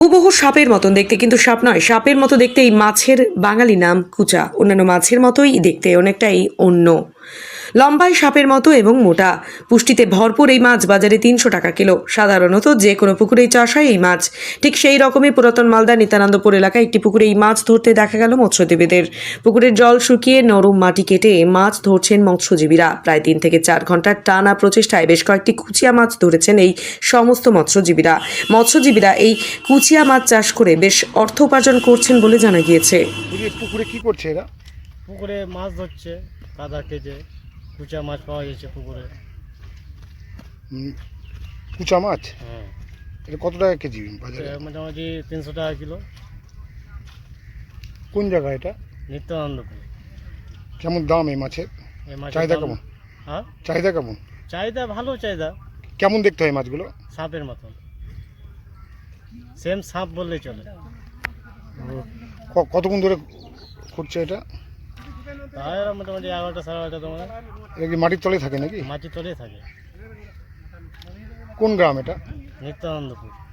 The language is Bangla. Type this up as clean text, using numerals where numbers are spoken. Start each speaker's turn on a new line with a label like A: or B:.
A: হুবহু সাপের মতন দেখতে, কিন্তু সাপ নয়, সাপের মতো দেখতে এই মাছের বাঙালি নাম কুচা। অন্যান্য মাছের মতোই দেখতে, অনেকটাই অন্য। লম্বায় সাপের মতো এবং মোটা, পুষ্টিতে ভরপুর এই মাছ বাজারে 300 টাকা কিলো। সাধারণত যে কোনো পুকুরেই চাষ হয় এই মাছ। ঠিক সেই রকমই পুরাতন মালদা নিত্যানন্দপুর এলাকায় একটি পুকুরে এই মাছ ধরতে দেখা গেল মৎস্যজীবীদের। পুকুরের জল শুকিয়ে নরম মাটি কেটে মাছ ধরছেন মৎস্যজীবীরা। প্রায় 3 থেকে 4 ঘন্টার টানা প্রচেষ্টায় বেশ কয়েকটি কুচিয়া মাছ ধরেছেন এই সমস্ত মৎস্যজীবীরা এই কুচিয়া মাছ চাষ করে বেশ অর্থ উপার্জন করছেন বলে জানা গিয়েছে।
B: পুকুরে কি করছে এরা?
C: পুকুরে মাছ ধরছে, কাদা কেটে কুচা মাছ পাওয়া যাচ্ছে পুকুরে।
B: কুচা মাছ
C: হ্যাঁ,
B: এটা কত টাকা কেজি বাজারে?
C: মোটামুটি 300 টাকা কিলো।
B: কোন জায়গা এটা?
C: নিত্যানন্দপুর।
B: কেমন দাম এই মাছের?
C: এই মাছের
B: চাহিদা
C: দাম-
B: কেমন?
C: হ্যাঁ,
B: চাহিদা কেমন?
C: চাহিদা ভালো চাহিদা।
B: কেমন দেখতে হয় মাছগুলো?
C: সাপের মতন, সেম সাপ বললেই চলে।
B: কতক্ষণ ধরে করছে এটা?
C: তাই এরা মোটামুটি 11টা 11:30 তোমার
B: এটা কি মাটির তলে থাকে নাকি?
C: মাটি তলেই থাকে।
B: কোন গ্রাম এটা?
C: নিত্যানন্দপুর।